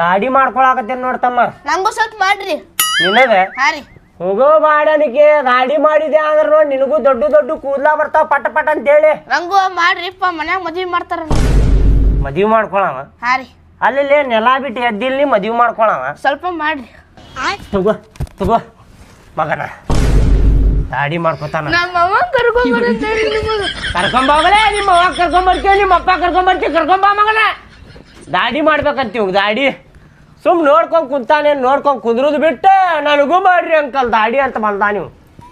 ದಾಡಿ ಮಾಡ್ಕೊಳಕತ್ತೇನ್ ನೋಡ್ತಮ್ಮ. ನಂಗೂ ಸ್ವಲ್ಪ ಮಾಡ್ರಿ. ನಿನಗ ಹಾ ರೀ. ಹೋಗೋ ಬಾಡನಿಗೆ ದಾಡಿ ಮಾಡಿದೆ ಅಂದ್ರ ನೋಡಿ ನಿನಗೂ ದೊಡ್ಡ ದೊಡ್ಡ ಕೂದ್ಲಾ ಬರ್ತಾವ ಪಟ ಪಟ ಅಂತ ಹೇಳಿ. ನಂಗೂ ಮಾಡ್ರಿಪ್ಪ, ಮನ್ಯಾಗ ಮದ್ವಿ ಮಾಡ್ತಾರ. ಮದ್ವಿ ಮಾಡ್ಕೊಳವ. ಹಾ ರೀ. ಅಲ್ಲಿ ನೆಲ ಬಿಟ್ಟು ಎದ್ದಿಲ್ಲಿ ಮದ್ವಿ ಮಾಡ್ಕೊಳವ. ಸ್ವಲ್ಪ ಮಾಡ್ರಿ. ತಗೋ ತಗೋ ಮಗನ ದಾಡಿ ಮಾಡ್ಕೊತಾನ. ನಮ್ಮ ಕರ್ಕೊಂಬೋಗಲೇ, ನಿಮ್ಮ ಅವ್ವ ಕರ್ಕೊಂಬರ್ತೀವಿ, ನಿಮ್ಮ ಅಪ್ಪ ಕರ್ಕೊಂಬ ಮಗನ. ದಾಡಿ ಮಾಡ್ಬೇಕಂತೀವ್ ದಾಡಿ. ಸುಮ್ ನೋಡ್ಕೊಂಡ್ ಕುಂತಾನೆ, ನೋಡ್ಕೊಂಡ್ ಕುಂದ್ರದ್ ಬಿಟ್ಟು ನನಗೂ ಮಾಡ್ರಿ ಅಂಕಲ್ ದಾಡಿ ಅಂತ ಬಂದ. ನೀವು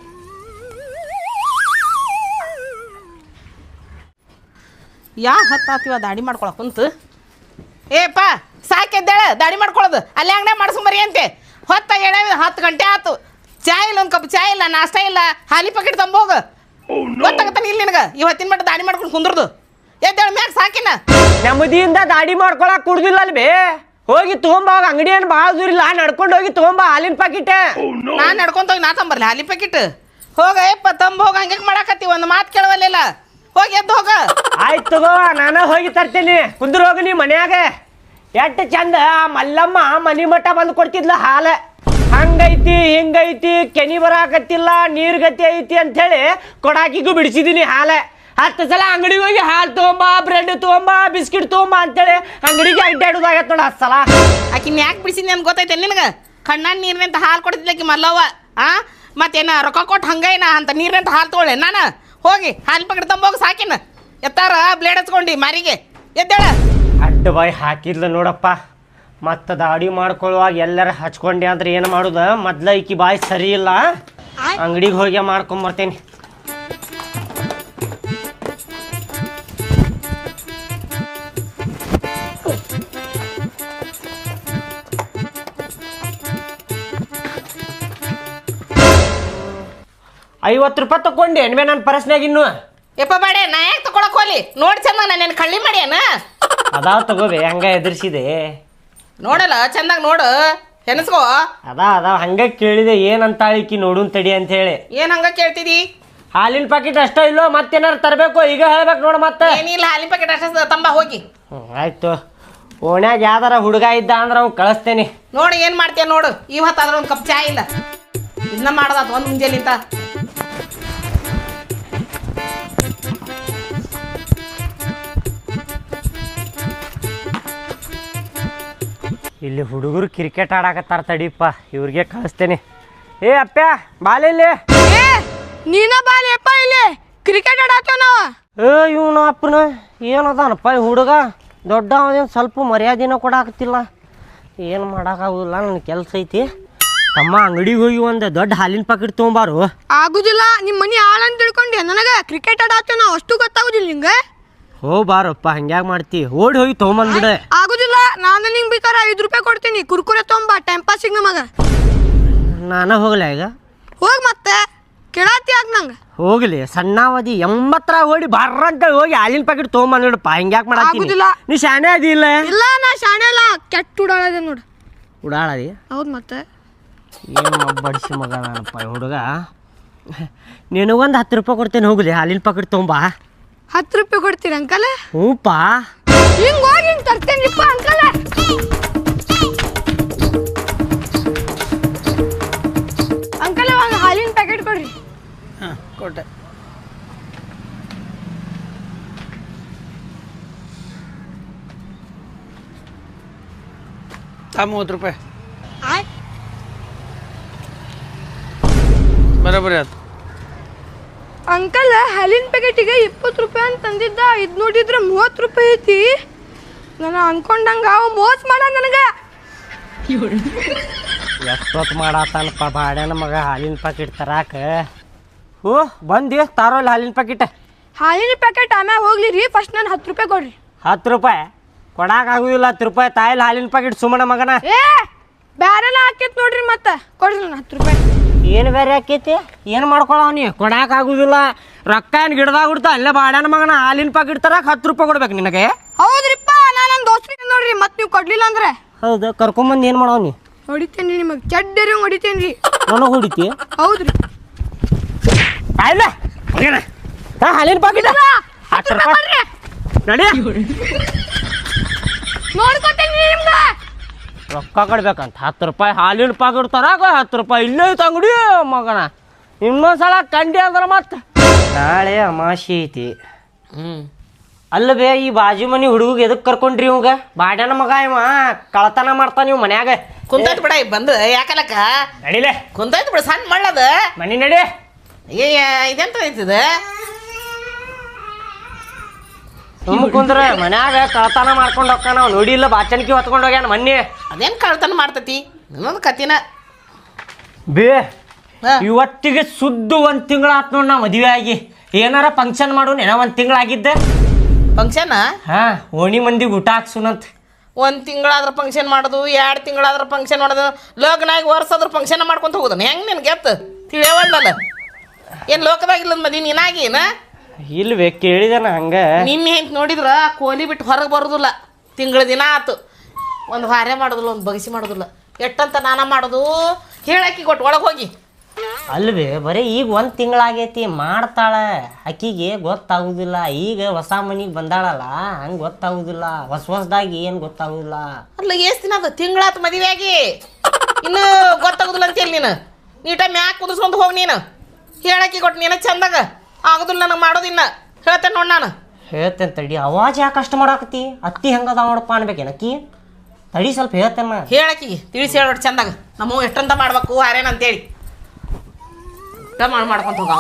ಹತ್ತಾತಿವ ದಾಡಿ ಮಾಡ್ಕೊಳಕ್ ಕುಂತು. ಏಪ್ಪ ಸಾಕೆದ್ದೇಳ ದಾಡಿ ಮಾಡ್ಕೊಳ್ಳೋದು. ಅಲ್ಲೇ ಅಂಗಡಿ ಮಾಡಿಸ್ಕೊಂಬರಿ ಅಂತೆ. ಹೊತ್ತ 10 ಗಂಟೆ ಆಯ್ತು. ಚಾಯ್ ಇಲ್ಲ, ಒಂದು ಕಪ್ ಚಾಯ್ ಇಲ್ಲ, ನಾಷ್ಟ ಇಲ್ಲ, ಹಾಲಿ ಪ್ಯಾಕೆಟ್ ತಂಬೋಗ. ಗೊತ್ತಾಗತ್ತಾನ ಇಲ್ಲಿ ನಿನಗೆ ಇವತ್ತಿನ ಮಟ್ಟ ದಾಡಿ ಮಾಡ್ಕೊಂಡು ಕುಂದ್ರದು. ಎದ್ದೇಳ ಮ್ಯಾಗ ಸಾಕಿನ. ನೆಮ್ಮದಿಯಿಂದ ದಾಡಿ ಮಾಡ್ಕೊಳಕ್ ಕುಡ್ದಿಲ್ಲ ಅಲ್ವೇ. ಹೋಗಿ ತಗೊಂಬಾಗ, ಅಂಗಡಿ ಏನು ಭಾಳ ದೂರ ಇಲ್ಲ, ನಡ್ಕೊಂಡು ಹೋಗಿ ತಗೊಂಬ ಹಾಲಿನ ಪ್ಯಾಕೆಟ್. ನಾನು ನಡ್ಕೊಂತ ಹೋಗಿ ನಾ ತಂಬರ್ಲಿ ಹಾಲಿ ಪ್ಯಾಕೆಟ್. ಹೋಗ ಯಪ್ಪ ತಂಬ ಹೋಗ. ಹಂಗೆ ಮಾಡಾಕತ್ತಿ, ಒಂದು ಮಾತು ಕೇಳವಲ್ಲ. ಹೋಗಿ ಎದ್ದು ಹೋಗ. ಆಯ್ತು ತಗೋ, ನಾನು ಹೋಗಿ ತರ್ತೇನೆ. ಕುಂದ್ರ ಹೋಗಿ ನೀ ಮನ್ಯಾಗ. ಎಷ್ಟು ಚಂದ ಮಲ್ಲಮ್ಮ ಮನಿ ಮಠ ಬಂದು ಕೊಡ್ತಿದ್ಲ ಹಾಲ. ಹಂಗೈತಿ ಹಿಂಗೈತಿ, ಕೆನಿ ಬರಾಕತ್ತಿಲ್ಲ, ನೀರ್ ಗತಿ ಐತಿ ಅಂತ ಹೇಳಿ ಕೊಡಾಕಿಗೂ ಬಿಡಿಸಿದೀನಿ ಹಾಲ. 10 ಸಲ ಅಂಗಡಿಗೆ ಹೋಗಿ ಹಾಲು ತಗೊಂಬ, ಬ್ರೆಡ್ ತಗೊಂಬ, ಬಿಸ್ಕಿಟ್ ತಗೊಂಬ ಅಂತೇಳಿ ಅಂಗಡಿಗೆ ಅಡ್ಡಾಡೋದಾಗತ್ತೆ ನೋಡ 10 ಸಲ. ಆಕಿನ ಯಾಕೆ ಬಿಡಿಸಿದ್ನಿ ಅಂತ ಗೊತ್ತೈತೆ ನಿನಗೆ? ಕಣ್ಣಾನ ನೀರಿನಂತ ಹಾಲು ಕೊಡ್ತಿದ್ಲಕ್ಕಿ ಮಲ್ಲವ್ವ. ಮತ್ತೇನ ರೊಕ್ಕ ಕೊಟ್ಟು ಹಂಗೇನ ಅಂತ ನೀರಿನಂತ ಹಾಲು ತಗೊಳ್ಳೆ ನಾನು. ಹೋಗಿ ಹಾಲು ಪ್ಯಾಕೆಟ್ ತಂಬೋಗಿ ಸಾಕಿನ. ಎತ್ತಾರ ಬ್ಲೇಡ್ ಹಚ್ಕೊಂಡು ಮಾರಿಗೆ. ಎದ್ದೇಳ. ಅಡ್ಡ ಬಾಯಿ ಹಾಕಿದ್ಲ ನೋಡಪ್ಪ. ಮತ್ತು ದಾಡಿ ಮಾಡ್ಕೊಳ್ಳುವಾಗ ಎಲ್ಲರ ಹಚ್ಕೊಂಡೆ ಅಂದ್ರೆ ಏನು ಮಾಡೋದು? ಮೊದ್ಲ ಈಕಿ ಬಾಯಿ ಸರಿ ಇಲ್ಲ, ಅಂಗಡಿಗೆ ಹೋಗಿ ಮಾಡ್ಕೊಂಬರ್ತೇನೆ. ₹50 ತಗೊಂಡೆ ಎಣ್ಮೆ ನನ್ನ ಪರಸ್ನಾಗ ಇನ್ನು. ಯಪ್ಪ ಬಾಡೆ, ನಾ ಯಾಕೆ ತಗೊಳಕ್ ಹೋಲಿ? ನೋಡಿ ಚಂದ ನಾನು ಕಳ್ಳಿ ಮಾಡ್ಯಾನ. ಅದಾವ ತಗೋಬೆ, ಹಂಗ ಎದುರಿಸಿದೆ ನೋಡಲ್ಲ ಚಂದಾಗ ನೋಡು, ಹೆನಸ್ಕೋ. ಅದಾವ ಹಂಗ ಕೇಳಿದೆ ಏನಂತಾಳಿಕಿ ನೋಡುನ್ ತಡಿ ಅಂತ ಹೇಳಿ. ಏನ್ ಹಂಗ ಕೇಳ್ತಿದಿ? ಹಾಲಿನ ಪ್ಯಾಕೆಟ್ ಅಷ್ಟ ಇಲ್ಲೋ ಮತ್ತೇನಾರು ತರಬೇಕು? ಈಗ ಹೇಳ್ಬೇಕು ನೋಡು ಮತ್ತೆ. ಏನಿಲ್ಲ, ಹಾಲಿನ ಪ್ಯಾಕೆಟ್ ಅಷ್ಟ ತಂಬ ಹೋಗಿ. ಆಯ್ತು. ಓಣ್ಯಾಗ ಯಾವ್ದಾರ ಹುಡುಗ ಇದ್ದ ಅಂದ್ರೆ ಅವ್ನು ಕಳಿಸ್ತೇನೆ. ನೋಡಿ ಏನ್ ಮಾಡ್ತೀಯ ನೋಡು. ಇವತ್ತಾದ್ರೆ ಒಂದು ಕಪ್ ಚಾಯ್ ಇಲ್ಲ, ಇದನ್ನ ಮಾಡದ ಒಂದು ಮುಂಜಾನಿಂತ. ಇಲ್ಲಿ ಹುಡುಗರು ಕ್ರಿಕೆಟ್ ಆಡಾಕತ್ತಾರ ತಡಿಪ್ಪ, ಇವ್ರಿಗೆ ಕಳಿಸ್ತೇನೆ. ಏ ಅಪ್ಪ ಬಾಲಿಲ್ಲಿ. ನೀನ ಬಾಲಿಯಪ್ಪ, ಇಲ್ಲಿ ಕ್ರಿಕೆಟ್ ಆಡಾತೇವ ನಾವ. ಇವನ ಅಪ್ಪನ ಏನದಾನಪ್ಪ ಈ ಹುಡುಗ ದೊಡ್ಡ ಅವನೇನು ಸ್ವಲ್ಪ ಮರ್ಯಾದಿನ ಕೊಡಾಕತ್ತಿಲ್ಲ. ಏನು ಮಾಡೋಕ್ಕಾಗೋದಿಲ್ಲ, ನನ್ನ ಕೆಲಸ ಐತಿ. ತಮ್ಮ ಅಂಗಡಿಗೆ ಹೋಗಿ ಒಂದು ದೊಡ್ಡ ಹಾಲಿನ ಪ್ಯಾಕೆಟ್ ತೊಗೊಂಬಾರು. ಆಗುದಿಲ್ಲ, ನಿಮ್ಮ ಮನಿ ಹಾಳಂತ ತಿಳ್ಕೊಂಡೆ. ನನಗೆ ಕ್ರಿಕೆಟ್ ಆಡಾತೇವ ನಾವು, ಅಷ್ಟು ಗೊತ್ತಾಗುದಿಲ್ಲ ನಿಂಗೆ. ಹೋ ಬಾರಪ್ಪ, ಹಂಗ್ಯಾಗ ಮಾಡ್ತಿ? ಓಡಿ ಹೋಗಿ ತೊಗೊಂಬಂದ್ಬಿಡೆ. ಆಗುದಿಲ್ಲ, ನಾನು ನಿಂಗೆ ಬೇಕಾರೆ ₹5 ಕೊಡ್ತೀನಿ. ಕುರ್ಕುರೆ ತೊಗೊಂಬ, ಟೈಮ್ ಪಾಸಿಗೆ ನಮಗ. ನಾನು ಹೋಗ್ಲ ಈಗ? ಹೋಗಿ ಮತ್ತೆ ಕೇಳಾತಿ ಆಗ ನಂಗೆ. ಹೋಗ್ಲಿ, ಸಣ್ಣಾವಧಿ 80 ಓಡಿ ಬರ್ರ ಅಂತ ಹೋಗಿ ಹಾಲಿನ ಪ್ಯಾಕೆಟ್ ತೊಗೊಂಬಂದ್ಬಿಡಪ್ಪ. ಹಿಂಗ್ಯಾಕೆ ಮಾಡತ್ತೀನಿ? ನೀ ಶಾಣೆ ಅದಿಲ್ಲ? ಇಲ್ಲ, ನಾ ಶಾಣೆ ಅಲ್ಲ, ಕೆಟ್ಟ ಉಡಾಳದೆ ನೋಡು. ಉಡಾಳದಿ? ಹೌದು ಮತ್ತೆ. ಏನು ಬಡಿಸಿ ಮಗ ನಾನಪ್ಪ ಈ ಹುಡುಗ. ನಿನಗೊಂದು ₹10 ಕೊಡ್ತೇನೆ, ಹೋಗ್ಲಿ ಹಾಲಿನ ಪ್ಯಾಕೆಟ್ ತೊಗೊಂಬ. ₹10 ಕೊಡ್ತೀರಿ ಅಂಕಲ್? ಹ್ಞೂಪ್ಪ. ಹಿಂಗೆ ಹೋಗಿ ಹಿಂಗೆ ತರ್ತೇನಿಪ್ಪ ಅಂಕಲ್. ಅಂಕಲ್ ಇವಾಗ ಹಾಲಿನ ಪ್ಯಾಕೆಟ್ ಕೊಡ್ರಿ. ಹಾಂ ಕೊಟ್ಟೆ. ₹30 ಬರೋಬ್ಬರಿ ಆಯ್ತು. ಅಂಕಲ್ ಹಾಲಿನ ಪ್ಯಾಕೆಟಿಗೆ ₹20 ಅಂತ ತಂದಿದ್ದ. ಇದು ನೋಡಿದ್ರೆ ₹30 ಐತಿ. ನಾನು ಅನ್ಕೊಂಡಂಗ ಅವ ಮೋಸ ಮಾಡ ನನಗೆ. ಎಷ್ಟೊತ್ತು ಮಾಡತ್ತಾನಪ್ಪ ಬಾಡ್ಯಾನ ಮಗ ಹಾಲಿನ ಪ್ಯಾಕೆಟ್ ತರಾಕ. ಹೋ ಬಂದಿ ತಾರೋಲ್ಲ ಹಾಲಿನ ಪ್ಯಾಕೆಟ್. ಹಾಲಿನ ಪ್ಯಾಕೆಟ್ ಆಮ್ಯಾಗ ಹೋಗ್ಲಿ ರೀ, ಫಸ್ಟ್ ನಾನು ₹10 ಕೊಡ್ರಿ. ₹10 ಕೊಡಾಕಾಗುದಿಲ್ಲ. ₹10 ತಾಯಿಲ್ ಹಾಲಿನ ಪ್ಯಾಕೆಟ್ ಸುಮ್ಮನ ಮಗನ. ಏ ಬ್ಯಾರೆಲ್ಲ ಹಾಕೈತಿ ನೋಡ್ರಿ, ಮತ್ತೆ ಕೊಡ್ರಿ ನಾನು ₹10. ಏನು ಬೇರೆ ಆಕೈತಿ? ಏನು ಮಾಡ್ಕೊಳವನಿ? ಕೊಡಾಕಾಗುದಿಲ್ಲ. ರೊಕ್ಕ ಏನು ಗಿಡದಾಗ ಬಿಡ್ತಾ ಅಲ್ಲೇ ಬಾಡ್ಯಾನ ಮಗನ ಹಾಲಿನ ಪ್ಯಾಕೆಟ್ ತರಾಕ ₹10 ಕೊಡ್ಬೇಕು ನಿನಗೆ. ಹೌದ್ರಿಪ್ಪ, ನಾನು ನನ್ನ ದೋಸ್ತಿಗೆ ನೋಡ್ರಿ, ಮತ್ತೆ ನೀವು ಕೊಡ್ಲಿಲ್ಲ ಅಂದ್ರೆ. ಹೌದು, ಕರ್ಕೊಂಬಂದು ಏನು ಮಾಡವನಿ? ಹೊಡಿತೇನೆ ನಿಮಗೆ, ಚಡ್ಡರಿ ಹೊಡಿತೇನೆ ರೀ. ನನಗೆ ಹೊಡಿತಿ? ಹೌದ್ರಿ. ಆಯ್ಲ ಹಾಲಿನ ಪ್ಯಾಕೆಟ್ ₹10 ನಡಿ. ನೋಡ್ಕೊತೇನೆ ನಿಮ್ಗೆ. ರೊಕ್ಕ ಕೊಡ್ಬೇಕಂತ 10 ರೂಪಾಯಿ ಹಾಲಿನ ಪಾಕಿಟ್ ತರಾಕ 10 ರೂಪಾಯಿ ಇಲ್ಲೇ ಐತೆ ಅಂಗಡಿ ಮಗನ. ಇನ್ನೊಂದ್ಸಲ ಕಂಡಿ ಅಂದ್ರೆ ಮತ್ತೆ ನಾಳೆ ಅಮಾಶಿ ಐತಿ. ಅಲ್ಲ ಬೇ, ಈ ಬಾಜು ಮನಿ ಹುಡುಗ ಎದಕ್ಕೆ ಕರ್ಕೊಂಡ್ರಿ ಇವಾಗ? ಬಾಡ್ಯಾನ ಮಗ ಇವ ಕಳತನ ಮಾಡ್ತಾನ ನೀವು ಮನ್ಯಾಗ. ಕುಂತೈತ್ ಬಿಡ ಬಂದು ಯಾಕಲಕ್ಕ ನಡಿಲೆ ಕುಂತೈತ್ ಬಿಡ ಸಣ್ಣ ಮಳ್ಳದ ಮನಿ ನಡಿ. ಇದೆಂತ ಐತಿದ ಸುಮ್ಮ ಕುಂದ್ರ ಮನ್ಯಾಗ ಕಳತನ ಮಾಡ್ಕೊಂಡು ಹೋಗ್ತಾನ. ನಾವು ನೋಡಿಲ್ಲ ಬಾಚನ್ಕಿ ಹೊತ್ಕೊಂಡು ಹೋಗ್ಯಾನ ಮೊನ್ನೆ. ಅದೇನ್ ಕಳ್ತನ ಮಾಡ್ತತಿ ಇನ್ನೊಂದು ಕತಿನ ಬೇ ಇವತ್ತಿಗೆ ಸುದ್ದು 1 ತಿಂಗಳ ಆತ್ ನೋಡ್ ನಾ ಮದುವೆ ಆಗಿ. ಏನಾರ ಫಂಕ್ಷನ್ ಮಾಡು ಏನೋ 1 ತಿಂಗಳಾಗಿದ್ದೆ. ಫಂಕ್ಷನ್ ಹಾ, ಓಣಿ ಮಂದಿಗೆ ಊಟ ಹಾಕ್ಸುನಂತ. 1 ತಿಂಗಳಾದ್ರ ಫಂಕ್ಷನ್ ಮಾಡೋದು, 2 ತಿಂಗಳಾದ್ರ ಫಂಕ್ಷನ್ ಮಾಡೋದು, ಲಗ್ನ ಆಗಿ ವರ್ಷಾದ್ರ ಫಂಕ್ಷನ್ ಮಾಡ್ಕೊಂತ ಹೋಗೋದನ ಹೆಂಗ್ ನಿನ್ ಗೆತ್ತ ತಿಳಿಯವಲ್ಲ. ಏನ್ ಲೋಕದಾಗಿಲ್ಲ ಮದಿ ನೀನಾಗೇನ? ಇಲ್ವೇ ಕೇಳಿದನ ಹಂಗ. ನಿನ್ನೆ ಅಂತ ನೋಡಿದ್ರ ಕೋಲಿ ಬಿಟ್ಟು ಹೊರಗೆ ಬರೋದಿಲ್ಲ. ತಿಂಗಳ ದಿನ ಆತು, ಒಂದು ಹಾರೆ ಮಾಡೋದಿಲ್ಲ, ಒಂದು ಬಗಸಿ ಮಾಡೋದಿಲ್ಲ. ಎಟ್ಟಂತ ನಾನ ಮಾಡೋದು ಹೇಳಾಕಿ ಕೊಟ್ಟು ಒಳಗೆ ಹೋಗಿ. ಅಲ್ವೇ ಬರೀ ಈಗ 1 ತಿಂಗಳಾಗೈತಿ ಮಾಡ್ತಾಳ. ಆಕಿಗೆ ಗೊತ್ತಾಗುದಿಲ್ಲ. ಈಗ ಹೊಸ ಮನಿಗೆ ಬಂದಾಳಲ್ಲ ಹಂಗೆ ಗೊತ್ತಾಗುದಿಲ್ಲ. ಹೊಸದಾಗಿ ಏನು ಗೊತ್ತಾಗುದಿಲ್ಲ. ಅಲ್ಲ ಎಷ್ಟು ದಿನ ಅದು ತಿಂಗಳಾತು ಮದುವೆ ಆಗಿ ಇನ್ನು ಗೊತ್ತಾಗುದಿಲ್ಲ ಅಂತೇಳಿ ನೀನು ನೀಟಾಗಿ ಮ್ಯಾಕ್ ಕುದಿಸ್ಕೊಂಡು ಹೋಗಿ. ನೀನು ಹೇಳಾಕಿ ಕೊಟ್ಟು ನೀನು ಚಂದಾಗ ಆಗುದಿಲ್ಲ ನನಗೆ ಮಾಡೋದಿನ್ನ ಹೇಳ್ತೇನೆ ನೋಡಿ. ನಾನು ಹೇಳ್ತೇನೆ ತಡಿ. ಅವಾಜ್ ಯಾಕೆ ಕಷ್ಟ ಮಾಡಾಕತಿ? ಅತ್ತಿ ಹೆಂಗದ ನೋಡಪ್ಪ ಅನ್ಬೇಕೇನಕ್ಕಿ? ತಡಿ ಸ್ವಲ್ಪ ಹೇಳ್ತೇನೆ. ಹೇಳಾಕಿಗೆ ತಿಳಿಸಿ ಹೇಳೋಟ್ಟು ಚಂದಾಗ ನಮ್ಮ ಎಷ್ಟಂತ ಮಾಡ್ಬೇಕು ಹಾರೇನ ಅಂತೇಳಿ ಮಾಡ್ಕೊಂತ ಹೋಗ.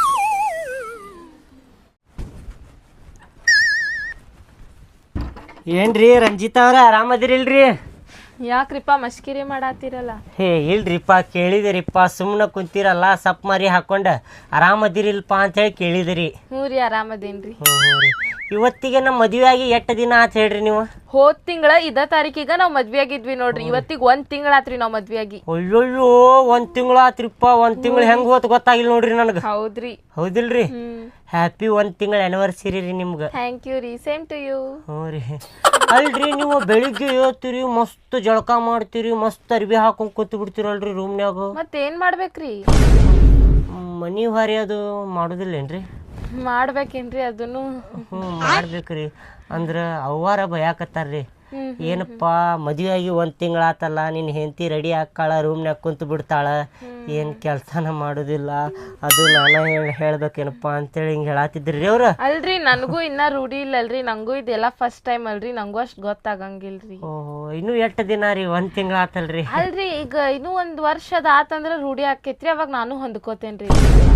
ಏನ್ರಿ ರಂಜಿತಾ ಅವ್ರ ಆರಾಮದಿರಿಲ್ರಿ? ಯಾಕ್ರಿಪ್ಪ ಮಸ್ಕಿರಿ ಮಾಡಾತಿರಲ್ಲ? ಹೇ ಇಲ್ರಿಪ್ಪ, ಕೇಳಿದಿರಿಪ್ಪ. ಸುಮ್ಮನೆ ಕುಂತಿರಲ್ಲ ಸಪ್ ಮಾರಿ ಹಾಕೊಂಡ ಆರಾಮದಿರಿಲ್ಪ ಅಂತೇಳಿ ಕೇಳಿದಿರಿ. ಹ್ಞೂ ರೀ ಆರಾಮದೇನ್ರಿ. ಹ್ಞೂ ರೀ. ಇವತ್ತಿಗೆ ನಮ್ಮ ಮದುವೆ ಆಗಿ 8 ದಿನ ಆತ ಹೇಳ್ರಿ ನೀವು? ಹೋದ್ ತಿಂಗಳ ಇದ ತಾರೀಕಿಗ ನಾವ್ ಮದ್ವೆ ಆಗಿದ್ವಿ ನೋಡ್ರಿ. ಇವತ್ತಿಗೆ 1 ತಿಂಗಳ ಆತ್ರಿ ನಾವ್ ಮದ್ವೆ ಆಗಿ. ಅಯ್ಯಯ್ಯೋ 1 ತಿಂಗಳು ಆತ್ರಿಪ್ಪ. 1 ತಿಂಗಳು ಹೆಂಗ್ ಹೋತ್ ಗೊತ್ತಾಗಿಲ್ಲ ನೋಡ್ರಿ ನನಗೆ. ಹೌದ್ರಿ. ಹೌದಿಲ್ರಿ? ಹ್ಯಾಪಿ 1 ತಿಂಗಳ ಆನಿವರ್ಸರಿ ರೀ ನಿಮ್ಗೆ. ಥ್ಯಾಂಕ್ ಯು ರೀ. Same to you. ಹ್ಞೂ ರೀ. ಅಲ್ರಿ ನೀವು ಬೆಳಿಗ್ಗೆ ಹೇಳ್ತೀರಿ, ಮಸ್ತ್ ಜಳಕ ಮಾಡ್ತೀರಿ, ಮಸ್ತ್ ಅರ್ಬಿ ಹಾಕೊಂಡ್ ಕೂತ್ ಬಿಡ್ತೀರಲ್ರಿ ರೂಮ್ನ್ಯಾಗ. ಮತ್ತೇನ್ ಮಾಡ್ಬೇಕ್ರಿ? ಮನಿ ಹೊರಿ ಅದು ಮಾಡೋದಿಲ್ಲೇನ್ರಿ? ಮಾಡ್ಬೇಕೇನ್ರಿ ಅದನ್ನು? ಮಾಡ್ಬೇಕ್ರಿ. ಅಂದ್ರ ಅವ್ವಾರ ಭಯಾಕತ್ತಾರ್ರಿ. ಏನಪ್ಪ ಮದುವೆ ಆಗಿ 1 ತಿಂಗಳಾತಲ್ಲ, ನಿನ್ನ ಹೆಂಡತಿ ರೆಡಿ ಹಾಕಾಳ, ರೂಮ್ನ್ಯಾಗ ಕುಂತು ಬಿಡ್ತಾಳ, ಏನು ಕೆಲಸನ ಮಾಡೋದಿಲ್ಲ, ಅದು ನಾನು ಹೇಳ್ಬೇಕೇನಪ್ಪ ಅಂತೇಳಿ ಹಿಂಗೆ ಹೇಳತ್ತಿದ್ರಿ ಅವ್ರ. ಅಲ್ರಿ ನನಗೂ ಇನ್ನ ರೂಢಿ ಇಲ್ಲಲ್ರಿ. ನಂಗೂ ಇದೆಲ್ಲ ಫಸ್ಟ್ ಟೈಮ್ ಅಲ್ರಿ. ನಂಗೂ ಅಷ್ಟ್ ಗೊತ್ತಾಗಂಗಿಲ್ರಿ. ಓಹೋ, ಇನ್ನೂ 8 ದಿನ ರೀ? 1 ತಿಂಗಳಾತಲ್ರಿ? ಅಲ್ರಿ ಈಗ ಇನ್ನೂ 1 ವರ್ಷದ ಆತಂದ್ರ ರೂಢಿ ಆಕೇತ್ರಿ. ಅವಾಗ ನಾನು ಹೊಂದ್ಕೋತೇನ್ರಿ.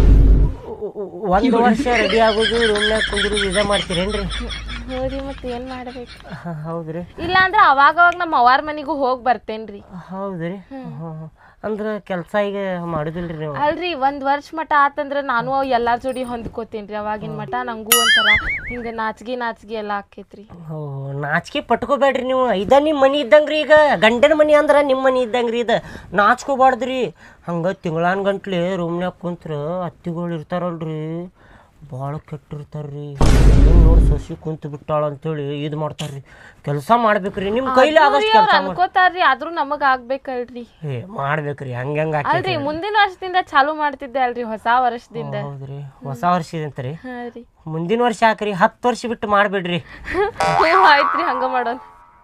1 ವರ್ಷ ರೆಡಿ ಆಗೋದು, ರೂಮ್ನ್ಯಾಗ ಕುಂದ್ರು ಇದ ಮಾಡ್ತೀರೇನ್ರಿ? ಹೌದ್ರಿ. ಮತ್ತೆ ಏನ್ ಮಾಡ್ಬೇಕು? ಹೌದ್ರಿ. ಇಲ್ಲ ಅಂದ್ರೆ ಅವಾಗ ನಮ್ಮ ಅವ್ವಾರ ಮನಿಗೂ ಹೋಗಿ ಬರ್ತೇನ್ರಿ. ಹೌದ್ರಿ. ಅಂದ್ರ ಕೆಲಸ ಈಗ ಮಾಡುದಿಲ್ರಿ ನೀವು? ಅಲ್ರಿ 1 ವರ್ಷ ಮಟ ಆತಂದ್ರ ನಾನು ಎಲ್ಲಾರ ಜೋಡಿ ಹೊಂದ್ಕೋತೇನ್ರಿ. ಅವಾಗಿನ ಮಟ ನಂಗೂ ಒಂಥರ ಹಿಂಗ ನಾಚಿಗೆ ಎಲ್ಲ ಆಕೇತ್ರಿ. ಓ, ನಾಚಿಕೆ ಪಟ್ಕೋಬೇಡ್ರಿ ನೀವು. ಇದ ನಿಮ್ಮ ಮನಿ ಇದ್ದಂಗ್ರಿ. ಈಗ ಗಂಡನ ಮನಿ ಅಂದ್ರ ನಿಮ್ಮ ಮನಿ ಇದ್ದಂಗ್ರಿ. ಇದು ನಾಚ್ಕೋಬಾರ್ದ್ರಿ. ಹಂಗ ತಿಂಗಳಾನ್ ಗಂಟ್ಲೆ ರೂಮ್ನ್ಯಾಗ ಕುಂತ್ರ ಅತ್ತಿಗಳು ಇರ್ತಾರಲ್ರಿ, ಭಾಳ ಕೆಟ್ಟಿರ್ತಾರ್ರಿ. ನೋಡಿ ಸಸಿ ಕುಂತು ಬಿಟ್ಟಾಳ ಅಂತೇಳಿ ಇದು ಮಾಡ್ತಾರ್ರಿ. ಕೆಲಸ ಮಾಡ್ಬೇಕ್ರಿ, ನಿಮ್ಮ ಕೈಲಿ ಆದಷ್ಟು ಕೆಲಸ ಅನ್ಕೋತಾರ್ರಿ. ಆದ್ರೂ ನಮಗ್ ಆಗ್ಬೇಕಲ್ರಿ. ಏ ಮಾಡ್ಬೇಕ್ರಿ. ಹಂಗ ಅಲ್ರಿ ಮುಂದಿನ ವರ್ಷದಿಂದ ಚಾಲು ಮಾಡ್ತಿದ್ದೆ ಅಲ್ರಿ, ಹೊಸ ವರ್ಷದಿಂದ. ಹೌದ್ರಿ, ಹೊಸ ವರ್ಷದಂತ್ರಿ? ಹಾ ರೀ. ಮುಂದಿನ ವರ್ಷ ಹಾಕ್ರಿ, 10 ವರ್ಷ ಬಿಟ್ಟು ಮಾಡ್ಬೇಡ್ರಿ. ಆಯ್ತ್ರಿ, ಹಂಗ ಮಾಡೋಣ.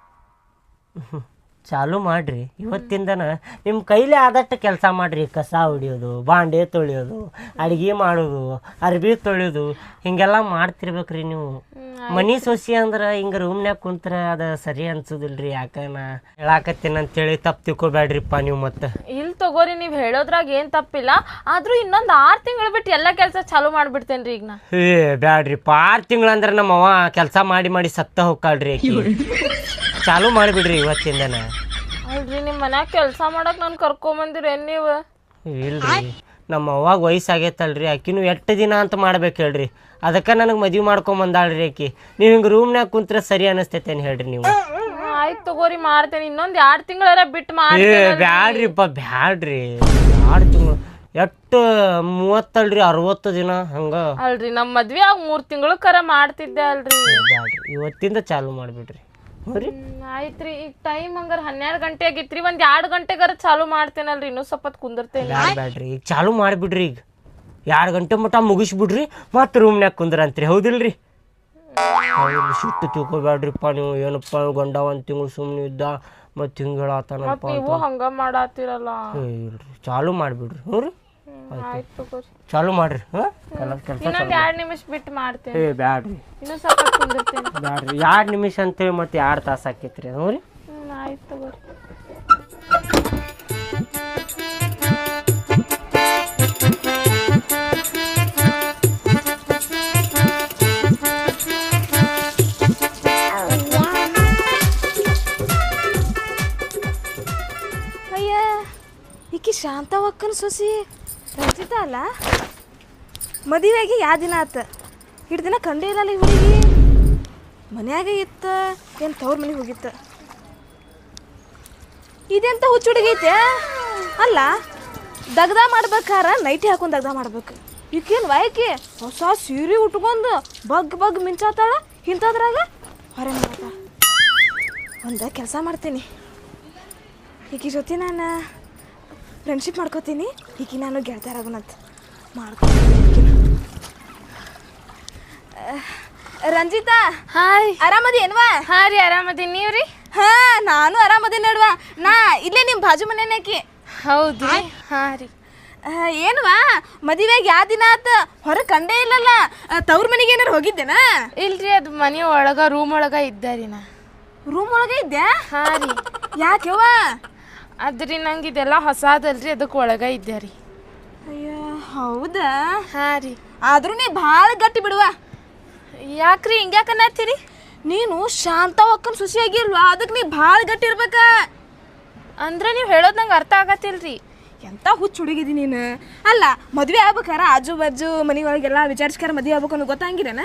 ಚಾಲು ಮಾಡ್ರಿ. ಇವತ್ತಿಂದನ ನಿಮ್ಮ ಕೈಲಿ ಆದಷ್ಟು ಕೆಲಸ ಮಾಡ್ರಿ. ಕಸ ಹೊಡಿಯೋದು, ಬಾಂಡೆ ತೊಳೆಯೋದು, ಅಡುಗೆ ಮಾಡೋದು, ಅರ್ಬಿ ತೊಳೆಯೋದು, ಹಿಂಗೆಲ್ಲ ಮಾಡ್ತಿರ್ಬೇಕ್ರಿ ನೀವು. ಮನಿ ಸೊಸಿ ಅಂದ್ರೆ ಹಿಂಗೆ ರೂಮ್ನ್ಯಾಗ ಕುಂತ್ರ ಅದು ಸರಿ ಅನ್ಸೋದಿಲ್ರಿ. ಯಾಕ ನಾ ಹೇಳಾಕತ್ತೀನಿ ಅಂತೇಳಿ ತಪ್ಪು ತಿಳ್ಕೊಬೇಡ್ರಿಪ್ಪ ನೀವು. ಮತ್ತೆ ಇಲ್ಲಿ ತಗೋರಿ, ನೀವು ಹೇಳೋದ್ರಾಗ ಏನು ತಪ್ಪಿಲ್ಲ. ಆದ್ರೂ ಇನ್ನೊಂದು 6 ತಿಂಗಳು ಬಿಟ್ಟು ಎಲ್ಲ ಕೆಲಸ ಚಾಲು ಮಾಡ್ಬಿಡ್ತೇನ್ರಿ ಈಗ ನಾ. ಏ ಬ್ಯಾಡ್ರಿಪ್ಪ, 6 ತಿಂಗಳಂದ್ರೆ ನಮ್ಮ ಅವ್ವ ಕೆಲಸ ಮಾಡಿ ಸತ್ತ ಹೋಗ್ಕಾಳ್ರಿ. ಚಾಲು ಮಾಡಿಬಿಡ್ರಿ ಇವತ್ತಿಂದನ. ಅಲ್ರಿ ನಿಮ್ಮ ಮನ್ಯಾಗ ಕೆಲಸ ಮಾಡಕ್ ನಾನು ಕರ್ಕೊಂಬಂದಿರೇನು ನೀವು? ಇಲ್ರಿ, ನಮ್ಮ ಅವ್ವಾಗ ವಯಸ್ಸಾಗೈತಲ್ರಿ. ಆಕಿನೂ 8 ದಿನ ಅಂತ ಮಾಡ್ಬೇಕು ಹೇಳ್ರಿ. ಅದಕ್ಕೆ ನನಗೆ ಮದುವೆ ಮಾಡ್ಕೊಂಬಂದಾಳ್ರಿ ಆಕಿ. ನೀವು ಹಿಂಗೆ ರೂಮ್ನ್ಯಾಗ ಕುಂತ್ರೆ ಸರಿ ಅನಿಸ್ತೈತೇನು ಹೇಳ್ರಿ ನೀವು? ಆಯ್ತು ತಗೋರಿ, ಮಾಡ್ತೇನೆ. ಇನ್ನೊಂದು 2 ತಿಂಗಳಾರ ಬಿಟ್ಟು ಮಾಡಿ. ಬ್ಯಾಡ್ರಿಪ್ಪ, ಬ್ಯಾಡ್ರಿ. 2 ತಿಂಗಳು ಎಷ್ಟು 30 ಅಲ್ರಿ, 60 ದಿನ ಹಂಗ ಅಲ್ರಿ. ನಮ್ಮ ಮದ್ವೆ ಆಗ 3 ತಿಂಗಳು ಕರ ಮಾಡ್ತಿದ್ದೆ ಅಲ್ರಿ. ಬ್ಯಾಡ್ರಿ, ಇವತ್ತಿಂದ ಚಾಲು ಮಾಡಿಬಿಡ್ರಿ. ಆಯ್ತ್ರಿ. ಈಗ ಟೈಮ್ ಹಂಗಾರ 12 ಗಂಟೆ ಆಗಿತ್ರಿ. 1-2 ಗಂಟೆಗಾರ ಚಾಲು ಮಾಡ್ತೇನಲ್ರಿ. ಇನ್ನೂ ಸ್ವಲ್ಪ ಕುಂದಿರ್ತೇನೆ. ಬ್ಯಾಡ್ರಿ, ಈಗ ಚಾಲು ಮಾಡಿಬಿಡ್ರಿ. ಈಗ 2 ಗಂಟೆ ಮಟ್ಟ ಮುಗಿಸ್ಬಿಡ್ರಿ, ಮತ್ತೆ ರೂಮ್ನ್ಯಾಗ ಕುಂದ್ರಂತ್ರಿ. ಹೌದಿಲ್ರಿ? ಸಿಟ್ಟು ತಿಳ್ಕೊಬ್ಯಾಡ್ರಿಪ್ಪ ನೀವು. ಏನಪ್ಪ ಗಂಡ ಒಂದು ತಿಂಗಳು ಸುಮ್ಮನೆ ಇದ್ದ ಮತ್ತು ಹಿಂಗೆ ಹೇಳತ್ತಾನಪ್ಪ ನೀವು ಹಂಗ ಮಾಡಾತಿರಲ್ಲ. ಇಲ್ರಿ ಚಾಲು ಮಾಡಿಬಿಡ್ರಿ. ಹ್ಞೂ ರೀ ಆಯ್ತು ತಗೋರಿ, ಚಾಲು ಮಾಡ್ರಿ. ಹಾಂ ಕೆಲಸ ಇನ್ನೊಂದ್ 2 ನಿಮಿಷ ಬಿಟ್ಟು ಮಾಡ್ತೇನೆ. ಬ್ಯಾಡ್ರಿ ಇನ್ನೂ ಸ್ವಲ್ಪ ಕುಂದಿರ್ತೇನೆ. ಬ್ಯಾಡ್ರಿ 2 ನಿಮಿಷ ಅಂತೇಳಿ ಮತ್ತೆ 2 ತಾಸು ಆಕೈತ್ರಿ. ಹ್ಞೂ ರೀ ಆಯ್ತು ತಗೋರಿ. ಅಯ್ಯ ಈಕಿ ಶಾಂತವಕ್ಕನ ಸೊಸಿ ರಂಜಿತ ಅಲ್ಲ. ಮದುವೆಯಾಗಿ ಯಾವ ದಿನ ಆತ, ಇಷ್ಟು ದಿನ ಕಂಡೇ ಇಲ್ಲಲ್ಲ ಈ ಹುಡುಗಿ. ಮನ್ಯಾಗ ಇತ್ತ ಏನು ತವ್ರ ಮನೆಗೆ ಹೋಗಿತ್ತ. ಇದೆಂತ ಹುಚ್ಚು ಹುಡುಗಿ ಐತೆ ಅಲ್ಲ. ದಗ್ದ ಮಾಡ್ಬೇಕಾರ ನೈಟಿ ಹಾಕೊಂಡು ದಗ್ದ ಮಾಡ್ಬೇಕು. ಈಕೇನು ವಾಯ್ಕಿ ಹೊಸ ಸೀರೆ ಉಟ್ಕೊಂಡು ಬಗ್ ಮಿಂಚಾತಾಳ. ಇಂಥದ್ರಾಗ ಹೊರ ಮಾಡ್ತ ಒಂದು ಕೆಲಸ ಮಾಡ್ತೀನಿ. ಈಕಿ ಜೊತೆ ನಾನು ಫ್ರೆಂಡ್ಶಿಪ್ ಮಾಡ್ಕೋತೀನಿ. ಈಕಿ ನಾನು ಗೆಳತಿಯರಾಗೋಣಂತ ಮಾಡ್ಕೊತೀನಿ. ರಂಜಿತಾ, ಹಾಯ್, ಆರಾಮದಿ ಏನ್ವಾ? ಹಾಂ ರೀ, ಆರಾಮದೀನಿ. ನೀವು ರೀ? ಹಾಂ, ನಾನು ಆರಾಮದಿ ನೋಡ್ವಾ. ನಾ ಇಲ್ಲೇ ನಿಮ್ಮ ಬಾಜು ಮನೆಯಾಕಿ. ಹೌದು ರೀ. ಹಾಂ ರೀ. ಏನ್ವಾ ಮದುವೆಗೆ ಯಾವ ದಿನ ಆತ, ಹೊರ ಕಂಡೇ ಇಲ್ಲಲ್ಲ. ತವ್ರ ಮನೆಗೆ ಏನಾರು ಹೋಗಿದ್ದೇನಾ? ಇಲ್ರಿ, ಅದು ಮನೆ ಒಳಗ ರೂಮ್ ಒಳಗ ಇದ್ದಾರಿ ನಾ. ರೂಮ್ ಒಳಗೆ ಇದ್ದೆ? ಹಾಂ ರೀ. ಯಾಕೆವ? ಅದ್ರಿ ನಂಗೆ ಇದೆಲ್ಲ ಹೊಸಾದಲ್ರಿ, ಅದಕ್ಕೆ ಒಳಗ ಇದ್ದೆ ರೀ. ಅಯ್ಯೋ ಹೌದಾ? ಹಾಂ ರೀ. ಆದ್ರೂ ನೀ ಭಾಳ ಗಟ್ಟಿ ಬಿಡುವ. ಯಾಕ್ರಿ ಹಿಂಗ್ಯಾಕನ್ನತ್ತೀರಿ? ನೀನು ಶಾಂತ ಒಕ್ಕನ್ ಸುಸಿಯಾಗಿಲ್ವಾ, ಅದಕ್ಕೆ ನೀ ಭಾಳ ಗಟ್ಟಿ ಇರ್ಬೇಕ. ಅಂದ್ರೆ ನೀವು ಹೇಳೋದು ನಂಗೆ ಅರ್ಥ ಆಗತ್ತಿಲ್ರಿ. ಎಂತ ಹುಚ್ಚು ಹುಡುಗಿದಿ ನೀನು. ಅಲ್ಲ ಮದುವೆ ಆಗ್ಬೇಕಾರ ಆಜು ಬಾಜು ಮನೆ ಒಳಗೆಲ್ಲ ವಿಚಾರಿಸ್ಕಾರ ಮದುವೆ ಆಗ್ಬೇಕು ಅನ್ನೋ ಗೊತ್ತಾಗಿರೇನ?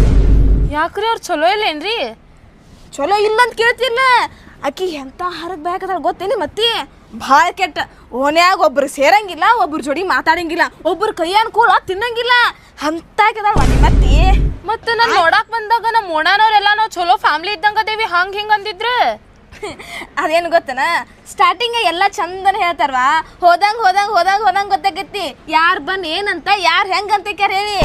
ಯಾಕ್ರಿ ಅವ್ರು ಚಲೋ ಇಲ್ಲೇನ್ರಿ? ಚಲೋ ಇಲ್ಲ ಅಂತ ಕೇಳ್ತಿಲ್ಲ. ಆಕಿ ಎಂತ ಹರಗ್ ಬೇಕಾದ್ರೆ ಗೊತ್ತೇನಿ ಮತ್ತೆ. ಭಾಳ ಕೆಟ್ಟ. ಓನ್ಯಾಗ ಒಬ್ರು ಸೇರಂಗಿಲ್ಲ, ಒಬ್ರು ಜೋಡಿ ಮಾತಾಡಂಗಿಲ್ಲ, ಒಬ್ರು ಕೈ ಅನ್ಕೂಲ ತಿನ್ನಂಗಿಲ್ಲ ಅಂತ ಮತ್ತೆ. ಮತ್ತೆ ನಾನು ನೋಡಕ್ ಬಂದಾಗ ನಮ್ಮ ಓಣಾನವ್ರೆಲ್ಲ ನಾವು ಚಲೋ ಫ್ಯಾಮಿಲಿ ಇದ್ದಂಗ ಅದೇವಿ, ಹಂಗೆ ಹಿಂಗೆ ಅಂದಿದ್ರು. ಅದೇನು ಗೊತ್ತನ, ಸ್ಟಾರ್ಟಿಂಗ್ ಎಲ್ಲ ಚಂದನ ಹೇಳ್ತಾರವಾ, ಹೋದಂಗ್ ಹೋದಂಗ್ ಹೋದಂಗ್ ಹೋದಂಗ್ ಗೊತ್ತಾಗತ್ತಿ ಯಾರು ಬಂದು ಏನಂತ ಯಾರು ಹೆಂಗಂತ ಹೇಳಿ.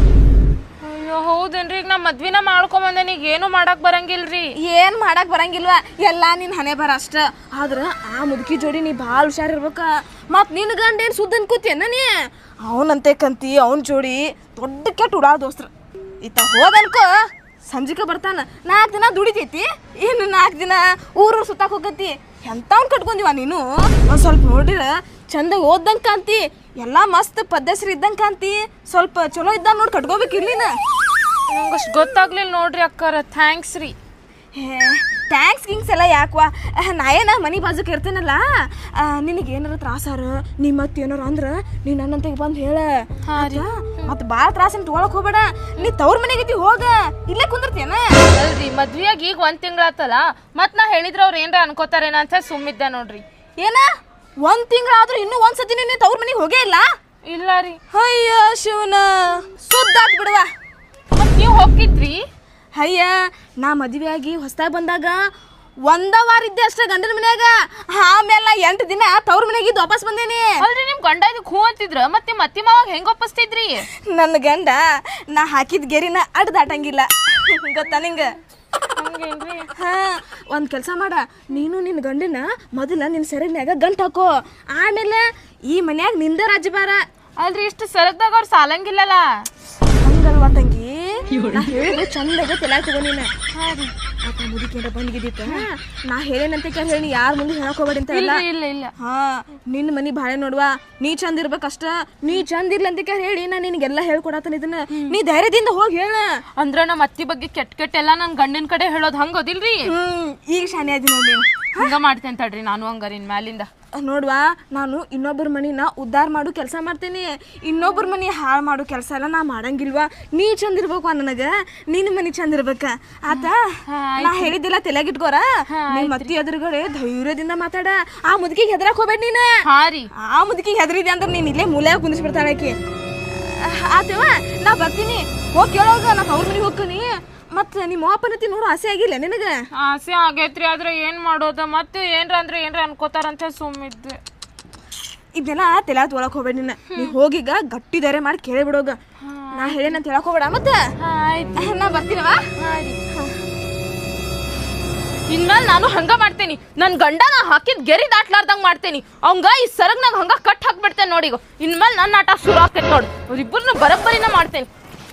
ಅಯ್ಯೋ ಹೌದೇನ್ರಿ? ಈಗ ನಾ ಮದ್ವಿನ ಮಾಡ್ಕೊಂಬಂದೇನಿ, ಈಗ ಏನು ಮಾಡಕ್ ಬರಂಗಿಲ್ರಿ. ಏನು ಮಾಡಕ್ ಬರಂಗಿಲ್ವಾ, ಎಲ್ಲ ನಿನ್ನ ಹಣೆ ಬರ ಅಷ್ಟ. ಆದ್ರೆ ಆ ಮುದುಕಿ ಜೋಡಿ ನೀ ಭಾಳ ಹುಷಾರಿರ್ಬೇಕ. ಮತ್ತು ನಿನ್ನ ಗಂಡ ಏನು ಸುದ್ದ ಅನ್ಕೋತಿಯನ್ನ ನೀ? ಅವನಂತೆ ಕಂತಿ ಅವನ ಜೋಡಿ ದೊಡ್ಡ ಕೆಟ್ಟ ಉಡಾ ದೋಸ್ತ್ರ. ಈತ ಹೋದನ್ಕೋ ಸಂಜಿಕ ಬರ್ತಾನ, 4 ದಿನ ದುಡಿತೈತಿ, ಇನ್ನು 4 ದಿನ ಊರು ಸುತ್ತಾಕ್ ಹೋಗತಿ. ಎಂಥವ್ನು ಕಟ್ಕೊಂಡಿವ ನೀನು? ಒಂದು ಸ್ವಲ್ಪ ನೋಡಿರ ಚಂದ ಓದ್ದಂಗೆ ಕಾಂತಿ, ಎಲ್ಲ ಮಸ್ತ್ ಪದ್ಧತಿ ಇದ್ದಂಗೆ ಕಾಂತಿ. ಸ್ವಲ್ಪ ಚಲೋ ಇದ್ದಂಗೆ ನೋಡಿ ಕಟ್ಕೋಬೇಕಿರ್ಲಿನ. ನಂಗೆ ಅಷ್ಟು ಗೊತ್ತಾಗ್ಲಿಲ್ಲ ನೋಡ್ರಿ ಅಕ್ಕಾರ. ಥ್ಯಾಂಕ್ಸ್ ರೀ. ಥ್ಯಾಂಕ್ಸ್ ಗಿಂಗ್ಸ್ ಎಲ್ಲ ಯಾಕವಾ, ನಾ ಏನ ಮನೆ ಬಾಜುಕ್ ಇರ್ತೇನಲ್ಲ, ನಿನಗೆ ಏನಾರ ತ್ರಾಸಾರು ನೀ ಮತ್ತೆ ಏನಾರ ಅಂದ್ರೆ ನೀ ನನ್ನಂತೆಗೆ ಬಂದು ಹೇಳ. ಮತ್ತೆ ಭಾಳ ತ್ರಾಸನ್ ತೊಗೊಳಕ್ ಹೋಗ್ಬೇಡ. ನೀ ತವ್ರ ಮನೆಗೈತಿ ಹೋಗ, ಇಲ್ಲೇ ಕುಂದಿರ್ತೇನ. ಅಲ್ರಿ ಮದ್ವಿಯಾಗಿ ಈಗ 1 ತಿಂಗಳಾತಲ್ಲ, ಮತ್ತೆ ನಾ ಹೇಳಿದ್ರೆ ಅವ್ರು ಏನ್ರ ಅನ್ಕೋತಾರೇನ ಅಂತ ಸುಮ್ಮಿದ್ದೆ ನೋಡ್ರಿ. ಏನ 1 ತಿಂಗಳಾದ್ರೂ ಇನ್ನೂ ಒಂದ್ಸತಿ ನೀನು ತವ್ರ ಮನೆಗೆ ಹೋಗೇ ಇಲ್ಲ? ಇಲ್ಲ ರೀ. ಅಯ್ಯೋ ಶಿವನ, ಸುದ್ದಾತ್ ಬಿಡುವ. ಮತ್ತೆ ನೀವು ಹೋಗಿದ್ರಿ? ಅಯ್ಯ ನಾ ಮದುವೆಯಾಗಿ ಹೊಸದಾಗಿ ಬಂದಾಗ 1 ವಾರ ಇದ್ದೆ ಅಷ್ಟೇ ಗಂಡನ ಮನ್ಯಾಗ. ಆಮೇಲೆ 8 ದಿನ ತವ್ರ ಮನೆಯಾಗಿದ್ದು ವಾಪಸ್ ಬಂದೇನಿ. ಅಲ್ರಿ ನಿಮ್ ಗಂಡ ಇದಕ್ಕೆ ಹೂ ಅಂತಿದ್ರ, ಮತ್ತೆ ನಿಮ್ಮ ಅತ್ತಿ ಮಾವಾಗ ಹೆಂಗ್ ಒಪ್ಪಿಸ್ತಿದ್ರಿ? ನನ್ನ ಗಂಡ ನಾ ಹಾಕಿದ ಗೆರಿನ ಅಡ್ಡ ದಾಟಂಗಿಲ್ಲ, ಗೊತ್ತಾ ನಿಂಗೆ? ಹಂಗೇನ್ರಿ? ಹಾ, ಒಂದು ಕೆಲಸ ಮಾಡ, ನೀನು ನಿನ್ನ ಗಂಡನ ಮೊದಲ ನಿನ್ನ ಸೆರಗ್ನ್ಯಾಗ ಗಂಟು ಹಾಕೋ. ಆಮೇಲೆ ಈ ಮನ್ಯಾಗ ನಿಂದ ರಾಜ್ಯಭಾರ. ಅಲ್ರಿ ಇಷ್ಟು ಸರದಾಗ ಅವ್ರು ಸಾಲಂಗಿಲ್ಲಲ್ಲ. ಹಂಗಲ್ವಾ ತಂಗಿ, ನಾ ಹೇಳಿದ್ರೆ ಚಂದಾಗ ತಲೆ ತಗೋ ನೀನು. ಆತ ಮುದುಕೇನ ಬಂದ್ಗಿದ್ದಿತ್ತ, ನಾ ಹೇಳೇನಂತ ಹೇಳಿ ಯಾರ ಮುಂದೆ ಹೇಳಕ್ ಹೋಗ್ಬೇಡಿ ಅಂತ. ಇಲ್ಲ ಇಲ್ಲ ಇಲ್ಲ. ಹಾ, ನಿನ್ನ ಮನಿ ಬಾಳೆ ನೋಡುವ, ನೀ ಚಂದ ಇರ್ಬೇಕಷ್ಟ. ನೀ ಚಂದ ಇರ್ಲಿ ಅಂತ ಹೇಳಿ ನಾ ನಿನಗೆಲ್ಲ ಹೇಳ್ಕೊಡತನ ಇದನ್ನ. ನೀ ಧೈರ್ಯದಿಂದ ಹೋಗಿ ಹೇಳ. ಅಂದ್ರ ನಮ್ಮ ಅತ್ತಿ ಬಗ್ಗೆ ಕೆಟ್ಟ ಎಲ್ಲ ನನ್ ಗಂಡಿನ ಕಡೆ ಹೇಳೋದು ಹಂಗೋದಿಲ್ರಿ? ಈಗ ಶಾನೆ ಆದಿ ನೋಡಿ ನೀನು. ಹಂಗ ಮಾಡ್ತೇನೆ ತಡ್ರಿ ನಾನು ಹಂಗಾರಿನ್ ಮ್ಯಾಲಿಂದ. ನೋಡ್ವಾ, ನಾನು ಇನ್ನೊಬ್ಬರ ಮನಿನ ಉದ್ಧಾರ ಮಾಡು ಕೆಲಸ ಮಾಡ್ತೀನಿ, ಇನ್ನೊಬ್ಬರ ಮನಿ ಹಾಳು ಮಾಡು ಕೆಲಸ ಎಲ್ಲ ನಾ ಮಾಡಂಗಿಲ್ವಾ. ನೀ ಚಂದ ಇರ್ಬೇಕು ನನಗೆ, ನಿನ್ನ ಮನಿ ಚಂದ ಇರ್ಬೇಕ ಆತ. ನಾ ಹೇಳಿದ್ದಿಲ್ಲ ತಲೆಗಿಟ್ಕೋರ. ನಿಮ್ಮ ಅತ್ತಿ ಎದುರುಗಡೆ ಧೈರ್ಯದಿಂದ ಮಾತಾಡ. ಆ ಮುದುಕಿಗೆ ಹೆದರಕ್ ಹೋಗ್ಬೇಡ ನೀನು. ಹಾ ರೀ. ಆ ಮುದುಕಿಗೆ ಹೆದರಿದೆ ಅಂದ್ರೆ ನೀನು ಇಲ್ಲೇ ಮೂಲೆ ಕುಂದಿಸ್ಬಿಡ್ತಾಳೆ ಆಕಿ. ಆತವ, ನಾ ಬರ್ತೀನಿ, ಹೋಗಿ ಕೇಳೋಗ. ನಾ ಅವ್ರ ಮನೆಗೆ ಹೋಗ್ತೀನಿ. ಮತ್ತೆ ನಿಮ್ಮ ಅಪ್ಪನತಿ ನೋಡು ಆಸೆ ಆಗಿಲ್ಲ ನಿನಗೆ? ಆಸೆ ಆಗೈತ್ರಿ, ಆದ್ರೆ ಏನ್ ಮಾಡೋದ, ಮತ್ತೆ ಏನ್ರ ಅಂದ್ರೆ ಏನ್ರ ಅನ್ಕೋತಾರಂತ ಸುಮ್ಮಿದ್ದೆ. ಇದೆಲ್ಲ ತಲೆ ತೊಗೊಳಕ್ ಹೋಗ್ಬೇಡ ನೀನು. ನೀ ಹೋಗಿಗ ಗಟ್ಟಿ ಧೈರ್ಯ ಮಾಡಿ ಕೇಳಿಬಿಡೋಗ. ನಾ ಹೇಳೇನಂತ ಹೇಳಕ್ ಹೋಗ್ಬೇಡ ಮತ್ತೆ ನಾ ಬರ್ತೀನವ ಇನ್ಮೇಲೆ ನಾನು ಹಂಗ ಮಾಡ್ತೇನಿ ನನ್ ಗಂಡ ನಾ ಹಾಕಿದ್ ಗೆರಿ ದಾಟ್ಲಾರ್ದಂಗ್ ಮಾಡ್ತೇನಿ ಅವಂಗ ಈ ಸರಗ್ನಾಗ ಹಂಗ ಕಟ್ ಹಾಕ್ಬಿಡ್ತೇನೆ ನೋಡಿಗ ಇನ್ಮೇಲೆ ನನ್ನ ಆಟ ಶುರು ಆಕೈತ್ ನೋಡು ಅವ್ರಿಬ್ಬರನ್ನ ಬರಬ್ಬರಿನ ಮಾಡ್ತೇನೆ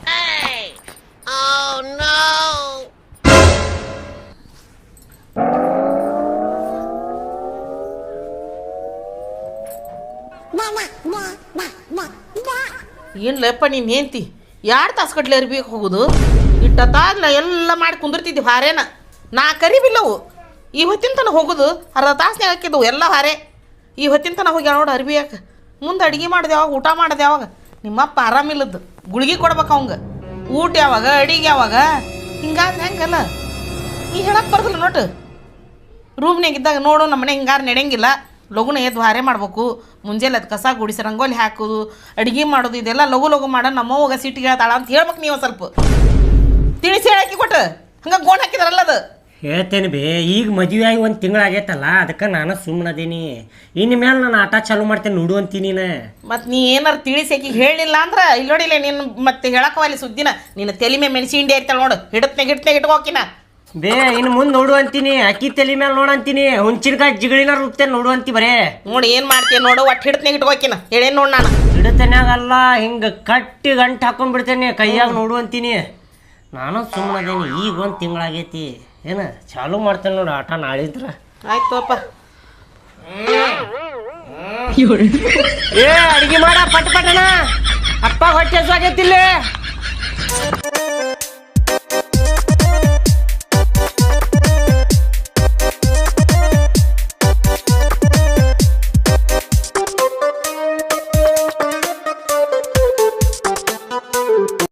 ಏನ್ಲಪ್ಪ ನೀನು ಹೆಂಡ್ತಿ 2 ತಾಸು ಗಟ್ಲೆ ಅರ್ಬೇಕು ಹೋಗುದು ಇಟ್ಟತ್ತಾಗ್ಲ ಎಲ್ಲ ಮಾಡಿ ಕುಂದಿರ್ತಿದ್ವಿ ಹಾರೇನ ನಾ ಕರಿಬಿಲ್ಲವು ಈ ಹೊತ್ತಿನ ತನಕ ಹೋಗುದು ಅರ್ಧ ತಾಸ್ನಾಗ ಹಾಕಿದ್ದವು ಎಲ್ಲ ಹಾರೆ ಈ ಹೊತ್ತಿನ ತನಕ ಹೋಗಿ ನೋಡು ಅರ್ಬಿ ಯಾಕೆ ಮುಂದೆ ಅಡುಗೆ ಮಾಡಿದೆ ಯಾವಾಗ ಊಟ ಮಾಡಿದೆ ಯಾವಾಗ ನಿಮ್ಮಪ್ಪ ಆರಾಮಿಲ್ಲದ್ದು ಗುಳಿಗೆ ಕೊಡ್ಬೇಕು ಅವಂಗ ಊಟ ಯಾವಾಗ ಅಡಿಗೆ ಯಾವಾಗ ಹಿಂಗಾದ್ರೆ ಹೆಂಗಲ್ಲ ನೀ ಹೇಳಕ್ಕೆ ಬರ್ದಲ್ಲ ನೋಟು ರೂಮ್ನಾಗ ಇದ್ದಾಗ ನೋಡು ನಮ್ಮ ಮನೆ ಹಿಂಗಾರು ನಡೆಯಂಗಿಲ್ಲ ಲಘುನ ಎದ್ದು ಹಾರೆ ಮಾಡ್ಬೇಕು ಮುಂಜಾನೆ ಅದು ಕಸ ಗುಡಿಸಿ ರಂಗೋಲಿ ಹಾಕೋದು ಅಡುಗೆ ಮಾಡೋದು ಇದೆಲ್ಲ ಲಘು ಲಘು ಮಾಡೋ ನಮ್ಮವ್ವಾಗ ಸಿಟ್ಟಿಗೆ ಹೇಳ್ತಾಳ ಅಂತ ಹೇಳ್ಬೇಕು ನೀವು ಸ್ವಲ್ಪ ತಿಳಿಸಿ ಹೇಳಕ್ಕೆ ಕೊಟ್ಟು ಹಂಗೆ ಗೋಣ್ ಹಾಕಿದಾರಲ್ಲ ಅದು ಹೇಳ್ತೇನೆ ಬೇ ಈಗ ಮದುವೆ ಆಗಿ 1 ತಿಂಗಳಾಗೈತಲ್ಲ ಅದಕ್ಕೆ ನಾನು ಸುಮ್ಮನದೀನಿ ಇನ್ನು ಮೇಲೆ ನಾನು ಆಟ ಚಾಲು ಮಾಡ್ತೇನೆ ನೋಡು ಅಂತೀನಿ ಮತ್ತು ನೀ ಏನಾರು ತಿಳಿಸಿ ಆಕಿಗೆ ಹೇಳಿಲ್ಲ ಅಂದ್ರೆ ಇಲ್ಲಿ ನೋಡಿಲ್ಲ ನೀನು ಮತ್ತೆ ಹೇಳಕ್ಕವಲ್ಲಿ ಸುದ್ದಿನ ನೀನು ತಲೆ ಮೇಲೆ ಮೆಣಸಿ ಹಿಂಡಿ ಐತಲ್ಲ ನೋಡು ಹಿಡತ್ನಾಗ ಇಟ್ಕೋಕಿನ ಬೇ ಇನ್ನು ಮುಂದೆ ನೋಡು ಅಂತೀನಿ ಅಕ್ಕಿ ತಲೆ ಮೇಲೆ ನೋಡು ಅಂತೀನಿ ಹುಂಚಿನಕಾಯಿ ಜಿಗಳಿನ ರುಬ್ತೇನೆ ನೋಡು ಅಂತಿ ಬರೇ ನೋಡಿ ಏನು ಮಾಡ್ತೀನಿ ನೋಡು ಒಟ್ಟು ಹಿಡತ್ನಾಗ ಇಟ್ಕೋಕಿನ ಹೇಳೇನು ನೋಡು ನಾನು ಹಿಡತನ್ಯಾಗಲ್ಲ ಹಿಂಗೆ ಕಟ್ಟಿ ಗಂಟು ಹಾಕೊಂಡ್ಬಿಡ್ತೇನೆ ಕೈಯಾಗ ನೋಡು ಅಂತೀನಿ ನಾನು ಸುಮ್ಮನದೇನಿ ಈಗ 1 ತಿಂಗಳಾಗೈತಿ ಏನು ಚಾಲು ಮಾಡ್ತೇನೆ ನೋಡು ಆಟ ನಾಳಿದ್ರ ಆಯ್ತು ಅಪ್ಪ ಏ ಅಡಿಗೆ ಮಾಡ ಪಟ್ ಪಟನ ಅಪ್ಪ ಹೊಟ್ಟೆ ಸಾಗೈತಿಲ್ಲ